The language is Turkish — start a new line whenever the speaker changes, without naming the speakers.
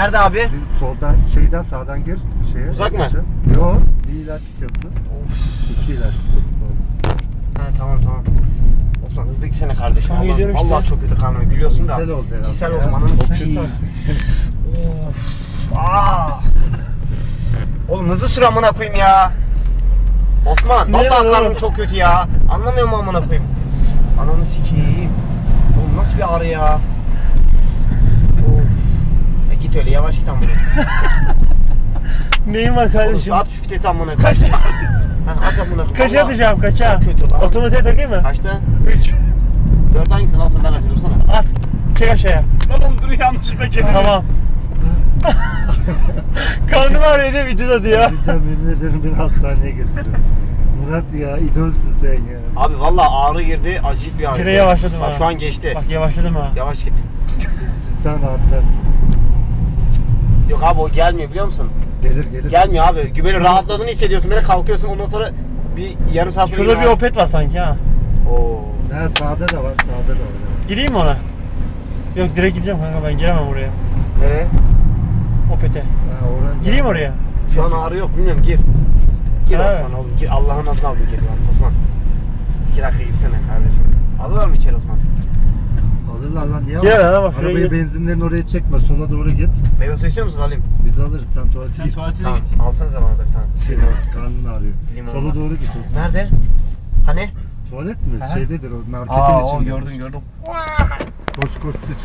Nerede abi?
Bir soldan şeyden sağdan gir şeye.
Uzak mı?
Yok. Bir ileriki köprü. İki ileriki köprü.
Ha tamam. Osman hızlı gitsene kardeşim.
Tamam, gidiyorum işte.
Allah çok kötü karnım. Gülüyorsun da.
İshal oldu herhalde.
İshal
ya.
oldum ananı
Çok
sikeyim.
kötü.
Oğlum hızlı sür amına koyayım ya. Osman
Ne
vallahi
oğlum?
karnım çok kötü ya. Anlamıyorum amına koyayım. Ananı sikeyim. Oğlum nasıl bir ağrı ya. Of. Git öyle yavaş git amına.
Neyin var
Oğlum
kardeşim?
saat şüftesi amına. Kaç? At amına koyayım.
Kaça
Vallahi
atacağım kaça?
çok kötü lan.
Otomatiğe takayım mı?
Kaçta?
3.
4 hangisini alsın ben atayım dursana.
At. Çek aşağıya.
Oğlum dur yanlışlıkla geliyor.
Tamam. Karnım ağrıyor diye videoda diyor.
Diyeceğim yemin ederim beni hastaneye götürüyor. Murat ya idolsün sen ya.
Abi vallahi ağrı girdi acayip bir ağrı.
Yine yavaşladım
Bak
ha.
şu an geçti.
Bak yavaşladım ha.
Yavaş git.
Sen rahatlarsın.
Yok abi o gelmiyor biliyor musun?
Gelir.
Gelmiyor abi. Böyle rahatladığını hissediyorsun. Böyle kalkıyorsun ondan sonra bir yarım saat sonra
Şurada bir opet var sanki ha.
Oo.
Ha sağda da var. Evet.
Gireyim mi ona? Yok direkt gideceğim kanka ben giremem oraya.
Nereye?
Opete.
Ha oran.
Gireyim oraya.
Şu an ağrı yok bilmiyorum gir. Gir
Evet.
Osman oğlum gir. Allah'ın adını al bir gir lan Osman. 2 dakika gitsene kardeşim. Alırlar mı içeri Osman?
Alırlar lan niye
Gel
alır?
lan, bak şuraya
Arabayı
gir.
benzinlerin oraya çekme. Sola doğru git.
Meyve suyu istiyor musunuz alayım?
Biz alırız. Sen tuvalete
Sen
git.
tuvaletine
Tamam.
git.
Alsanıza bana da bir tane.
Şey, karnın ağrıyor.
Limon
Sola
var.
doğru git.
Nerede? Hani?
Tuvalet mi?
Aha.
Şeydedir o marketin
Aa o
içinde.
gördüm.
Koş sıç.